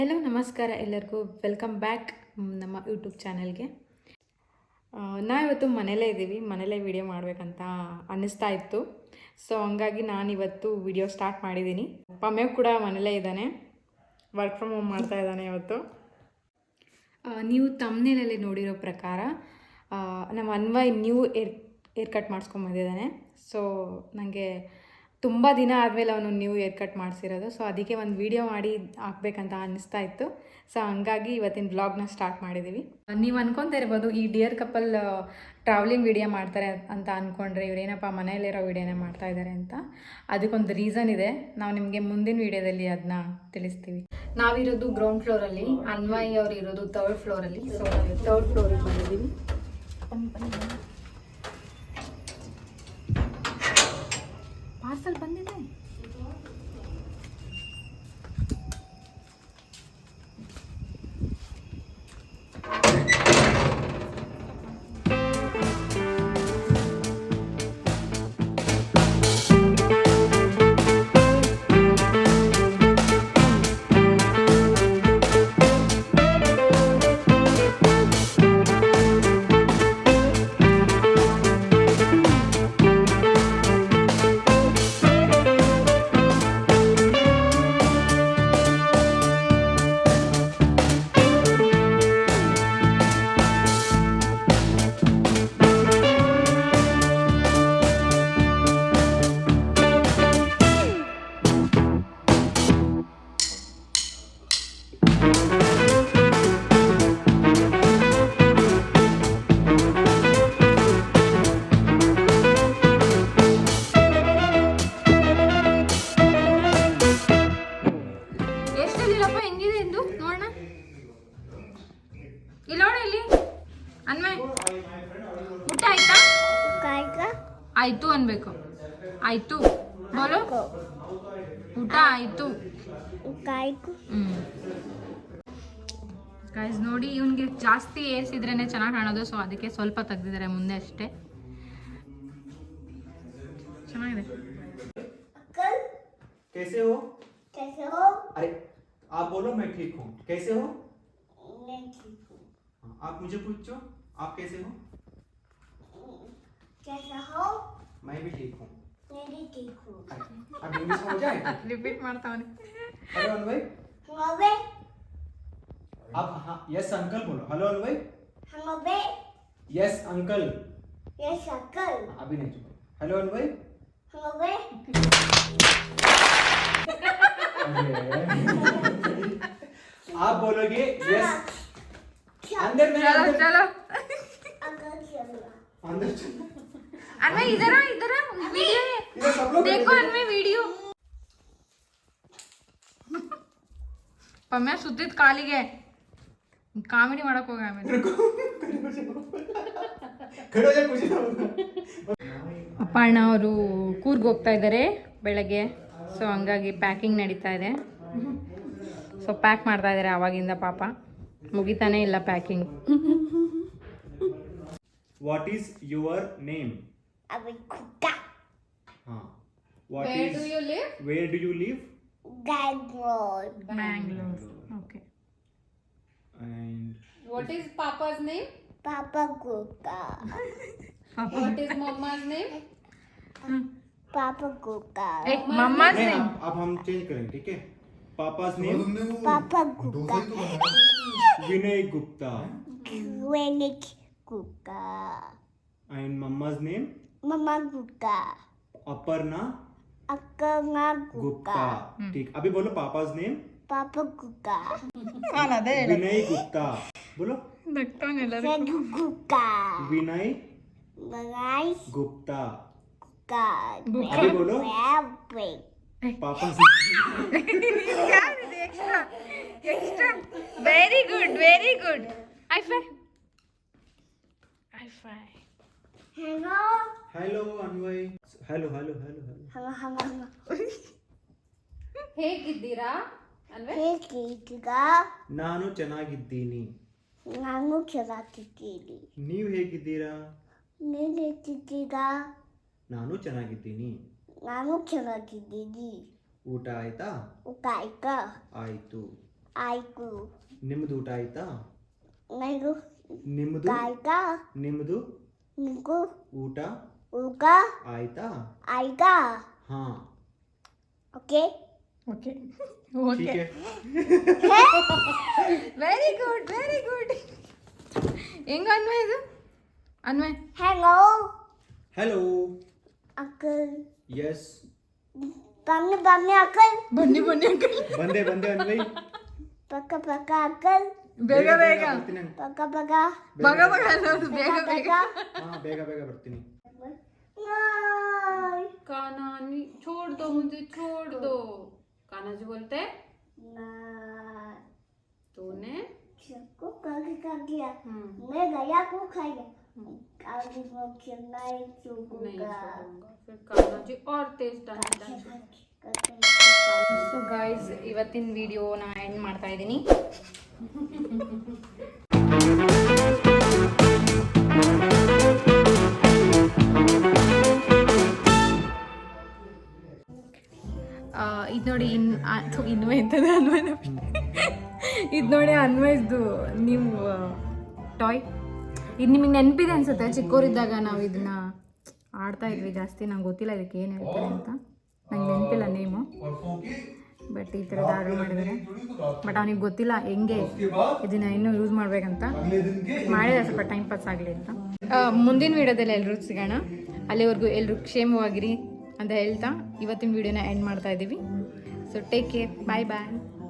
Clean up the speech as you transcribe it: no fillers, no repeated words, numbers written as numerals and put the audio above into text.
Hello ನಮಸ್ಕಾರ ಎಲ್ಲರಿಗೂ welcome back ನಮ್ಮ ಯೂಟ್ಯೂಬ್ ಚಾನಲ್ಗೆ. ನಾವಿವತ್ತು ಮನೇಲೇ ಇದ್ದೀವಿ, ಮನೇಲೇ ವಿಡಿಯೋ ಮಾಡಬೇಕಂತ ಅನ್ನಿಸ್ತಾ ಇತ್ತು. ಸೊ ಹಂಗಾಗಿ ನಾನಿವತ್ತು ವಿಡಿಯೋ ಸ್ಟಾರ್ಟ್ ಮಾಡಿದ್ದೀನಿ. ಪಮ್ಯ ಕೂಡ ಮನೇಲೇ ಇದ್ದಾನೆ, ವರ್ಕ್ ಫ್ರಮ್ ಹೋಮ್ ಮಾಡ್ತಾ ಇದ್ದಾನೆ ಇವತ್ತು. ನೀವು ತಮ್ನೇಲಲ್ಲಿ ನೋಡಿರೋ ಪ್ರಕಾರ ನಮ್ಮ ಅನ್ವಯ್ ನ್ಯೂ ಏರ್ ಕಟ್ ಮಾಡಿಸ್ಕೊಂಬಂದಿದ್ದಾನೆ. ಸೊ ನನಗೆ ತುಂಬ ದಿನ ಆದಮೇಲೆ ಅವನು ನ್ಯೂ ಏರ್ ಕಟ್ ಮಾಡಿಸಿರೋದು. ಸೊ ಅದಕ್ಕೆ ಒಂದು ವೀಡಿಯೋ ಮಾಡಿ ಹಾಕ್ಬೇಕಂತ ಅನ್ನಿಸ್ತಾ ಇತ್ತು. ಸೊ ಹಂಗಾಗಿ ಇವತ್ತಿನ ವ್ಲಾಗ್ನ ಸ್ಟಾರ್ಟ್ ಮಾಡಿದ್ದೀವಿ. ನೀವು ಅನ್ಕೊತಾ ಇರ್ಬೋದು, ಈ ಡಿಯರ್ ಕಪಲ್ ಟ್ರಾವೆಲಿಂಗ್ ವಿಡಿಯೋ ಮಾಡ್ತಾರೆ ಅಂತ ಅಂದ್ಕೊಂಡ್ರೆ ಇವರೇನಪ್ಪ ಮನೆಯಲ್ಲಿರೋ ವಿಡಿಯೋನೇ ಮಾಡ್ತಾ ಇದ್ದಾರೆ ಅಂತ. ಅದಕ್ಕೊಂದು ರೀಸನ್ ಇದೆ, ನಾವು ನಿಮಗೆ ಮುಂದಿನ ವೀಡಿಯೋದಲ್ಲಿ ಅದನ್ನ ತಿಳಿಸ್ತೀವಿ. ನಾವಿರೋದು ಗ್ರೌಂಡ್ ಫ್ಲೋರಲ್ಲಿ, ಅನ್ವಯ್ ಅವ್ರು ಇರೋದು ಥರ್ಡ್ ಫ್ಲೋರಲ್ಲಿ. ಸೊ ನಾವು ಥರ್ಡ್ ಫ್ಲೋರಿಗೆ ಬಂದಿದ್ದೀವಿ. ಪಾರ್ಸಲ್ ಬಂದಿದೆ. ಹೆಂಗಿದೆ ಎಂದು ನೋಡೋಣ. ಇಲ್ಲಿ ನೋಡ, ಇಲ್ಲಿ ಅನ್ವಯ್ ಊಟ ಆಯ್ತಾ? ಆಯ್ತು ಅನ್ಬೇಕು. ಆಯ್ತು ಬೋಲು, ಊಟ ಆಯ್ತು. ಗೈಸ್ ನೋಡಿ, ಇವನ್ಗೆ ಜಾಸ್ತಿ ಏರ್ಸಿದ್ರೇನೆ ಚೆನ್ನಾಗಿ ಕಾಣೋದು. ಸೊ ಅದಕ್ಕೆ ಸ್ವಲ್ಪ ತೆಗ್ದಿದ್ದಾರೆ ಮುಂದೆ ಅಷ್ಟೇ. ಚೆನ್ನಾಗಿದೆ. कैसे हो? कैसे हो? अरे आप बोलो मैं ठीक हूँ. कैसे हो? मैं ठीक हूँ. आप मुझे पूछो, आप कैसे हो? कैसे हो? मैं भी ठीक हूँ. मैं भी ठीक हूँ. अब इंग्लिश हो जाए. रिपीट मारता हूँ. हेलो अनवय. हेलो. आप हाँ यस अंकल बोलो. हेलो अनवय. हेलो बे. Yes uncle. Yes uncle. अभी नहीं चुप. हेलो अनवय. हेलो बे. आप बोलोगे यस. अंदर में चलो चलो अंदर चलो. अनवय इधर आ, इधर आ, वीडियो है, देखो अनवय वीडियो. ಪಮ್ಯ ಸುತ್ತಿದ ಕಾಲಿಗೆ ಕಾಮಿಡಿ ಮಾಡಕ್ ಹೋಗ. ಆಮೇಲೆ ಅಪ್ಪ ಅಣ್ಣ ಅವರು ಕೂರ್ಗ್ ಹೋಗ್ತಾ ಇದ್ದಾರೆ ಬೆಳಗ್ಗೆ. ಸೊ ಹಂಗಾಗಿ ಪ್ಯಾಕಿಂಗ್ ನಡೀತಾ ಇದೆ. ಸೊ ಪ್ಯಾಕ್ ಮಾಡ್ತಾ ಇದ್ದಾರೆ ಆವಾಗಿಂದ. ಪಾಪ ಮುಗಿತಾನೆ ಇಲ್ಲ packing. What is your name? Abikuka. What Where is, do you live? Where do you live? Bangalore. Bangalore. Okay. And What is Papa's name? Papa Kuka. What is Mama's name? Papa Kuka. एक मम्मा's नहीं, name. अब हम change करेंगे, ठीक है? पापा's name Papa Kuka. Vinay Gupta. Granit Kuka. And mama's name Mama Kuka. Aparna Akanga Gupta. Kuka. ठीक, अभी बोलो पापा's name Papa Kuka. विनय गुप्ता. बोलो Sadu Kuka. विनय Rice गुप्ता. Kuka. अभी बोलो Rabbit. Papa's extra extra. Very good, very good. High five, high five. Hello. Hello Anvay. Hello hello hello hello. Hello, hello, hello. ಹೇಗಿದ್ದೀರಾ ಅನ್ವಯ್? ಹೇಗಿದ್ದೀರಾ? ನಾನು ಚೆನ್ನಾಗಿದ್ದೀನಿ. ನಾನು ಚೆನ್ನಾಗಿದ್ದೀನಿ. ನೀವು ಹೇಗಿದ್ದೀರಾ? ನೀನು ಹೇಗಿದ್ದೀರಾ? ನಾನು ಚೆನ್ನಾಗಿದ್ದೀನಿ. ನಾನು ಚೆನ್ನಾಗಿದ್ದೀನಿ. ಊಟ ಆಯ್ತಾ? ಊಟ ಆಯ್ತಾ? ಆಯ್ತು. ಆಯ್ತು ನಿಮ್ದು ಊಟ ಆಯ್ತಾ? ನನಗೂ ನಿಮ್ದು ಆಯ್ತಾ ನಿಮ್ದು ನಿಮಗೂ ಊಟ ಊಟ ಆಯ್ತಾ? ಆಯ್ತಾ ಹಾ ಓಕೆ ಓಕೆ ठीक ಓಕೆ है. Very good very good. ಹೆಂಗ ಅನ್ವಯ್ ಇದು Anvay? Hello hello uncle yes ಬನ್ನಿ ಬನ್ನಿ ಅಂಕಲ್ ಬನ್ನಿ ಬನ್ನಿ ಅಂಕಲ್. ಬಂದೆ ಬಂದೆ ಅನ್ವಯ್. ಪಕ್ಕ ಪಕ್ಕ ಅಂಕಲ್ ಬೇಗ ಬೇಗ ಬರ್ತೀನಿ ನಾನು. ಪಕ್ಕ ಪಕ್ಕ ಬಗ ಬಗ ಅನ್ನೋದು ಬೇಗ ಬೇಗ. ಹಾ ಬೇಗ ಬೇಗ ಬರ್ತೀನಿ. ನಾಯ್ काना छोड़ दो मुझे, छोड़ दो. काना जी बोलते हैं, नाय तूने सबको कागे का गया हम्म, मैं गया को खाया कागे को नहीं नहीं चुगूंगा छोड़ूंगा. फिर काना जी और तेज डांस. ಸೊ ಗಾಯ್ಸ್, ಇವತ್ತಿನ ವಿಡಿಯೋನ ಎಂಡ್ ಮಾಡ್ತಾ ಇದ್ದೀನಿ. ಇದು ನೋಡಿ ಇನ್ನೂ ಎಂಥದ್ದು ಅನ್ವಯ್ ಇದು ನೋಡಿ ಅನ್ವಯ್ದು ನೀವು ಟಾಯ್. ಇದು ನಿಮಗೆ ನೆನಪಿದೆ ಅನ್ಸುತ್ತೆ, ಚಿಕ್ಕವರಿದ್ದಾಗ ನಾವು ಇದನ್ನ ಆಡ್ತಾ ಇದ್ವಿ ಜಾಸ್ತಿ. ನಂಗೆ ಗೊತ್ತಿಲ್ಲ ಇದಕ್ಕೆ ಏನು ಹೇಳ್ತಾರೆ ಅಂತ, ನಂಗೆ ನೆನಪಿಲ್ಲ ನೇಮು. ಬಟ್ ಈ ಥರದ್ದು ಆರ್ಡರ್ ಮಾಡಿದ್ದಾರೆ. ಬಟ್ ಅವನಿಗೆ ಗೊತ್ತಿಲ್ಲ ಹೆಂಗೆ ಇದನ್ನ ಇನ್ನೂ ಯೂಸ್ ಮಾಡ್ಬೇಕಂತ. ಮಾಡಿದ್ರೆ ಸ್ವಲ್ಪ ಟೈಮ್ ಪಾಸ್ ಆಗಲಿ ಅಂತ. ಮುಂದಿನ ವೀಡಿಯೋದಲ್ಲಿ ಎಲ್ಲರೂ ಸಿಗೋಣ. ಅಲ್ಲಿವರೆಗೂ ಎಲ್ಲರೂ ಕ್ಷೇಮವಾಗಿರಿ ಅಂತ ಹೇಳ್ತಾ ಇವತ್ತಿನ ವೀಡಿಯೋನ ಎಂಡ್ ಮಾಡ್ತಾ ಇದ್ದೀವಿ. ಸೊ ಟೇಕ್ ಕೇರ್, ಬಾಯ್ ಬಾಯ್.